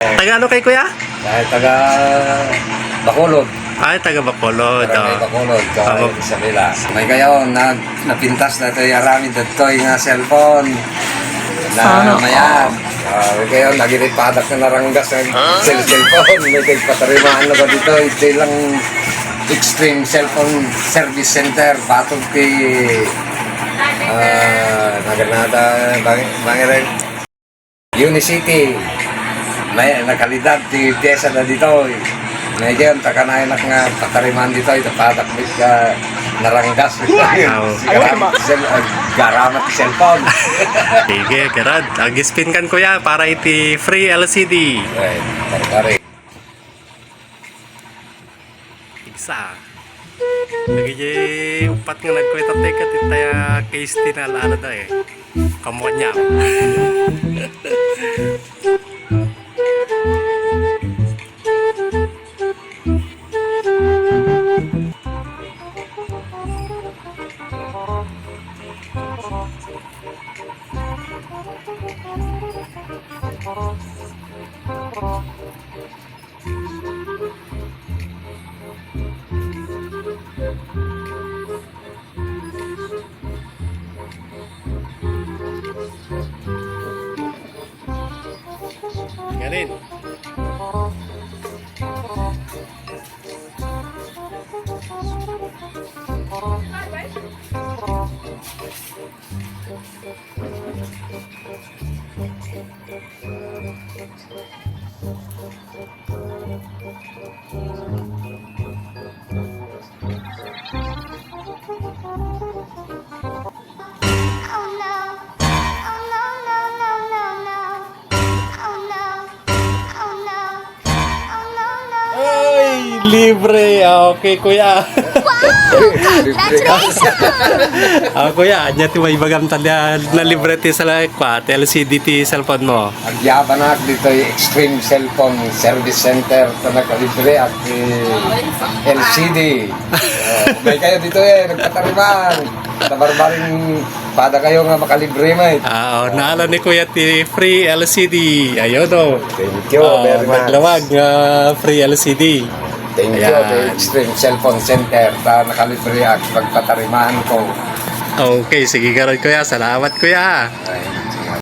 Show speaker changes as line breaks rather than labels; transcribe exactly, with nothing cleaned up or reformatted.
Taga ano kay kuya?
Dahil taga Bacolod.
Ay, taga Bacolod.
Barangay
Oh.
Bacolod.
Tama.
Kaya Isabela. May kayo, nag, napintas na ito yung arami dito yung cellphone. Na
Sana
mayan. Uh, may kayo, nagiripadak na naranggas ng cell cellphone. May kayo patarimaan na ba dito? Ito lang Extreme Cellphone Service Center. Patog kay uh, Naganada, Bangirin. Unicity. May nakalidad di pyesa na dito. May kayo, takanayan na nga patarimaan dito. Ito patakbit ka naranggas. Garamat sel, uh, garamat cellphone.
Sige, karad. Ag-spin kan kuya para iti free L C D.
Right, pare-pare.
Igsa. Lagi upat nga nagkweta teka titaya case tinala da eh. Kamu niya. Ganin. Libre. Okay, kuya. Ah, kuya, anya ti may bagam tanda na libre ti sa kwat L C D ti cellphone mo.
Agyaban na dito yung Extreme Cellphone Service Center ito nakalibre at eh, L C D. Uh, may kayo dito eh, nagpatariman. Tabarbaring pada kayo nga makalibre may.
Ah, oh, naala ni kuya ti free L C D. Ayun oh.
Thank you
Ah,
very much.
maglawag nga free L C D.
Thank you
Ayan.
to Extreme Cellphone Center ta nakalibre at pagpatariman ko.
Okay, sige karon kuya. Salamat kuya.
Ay,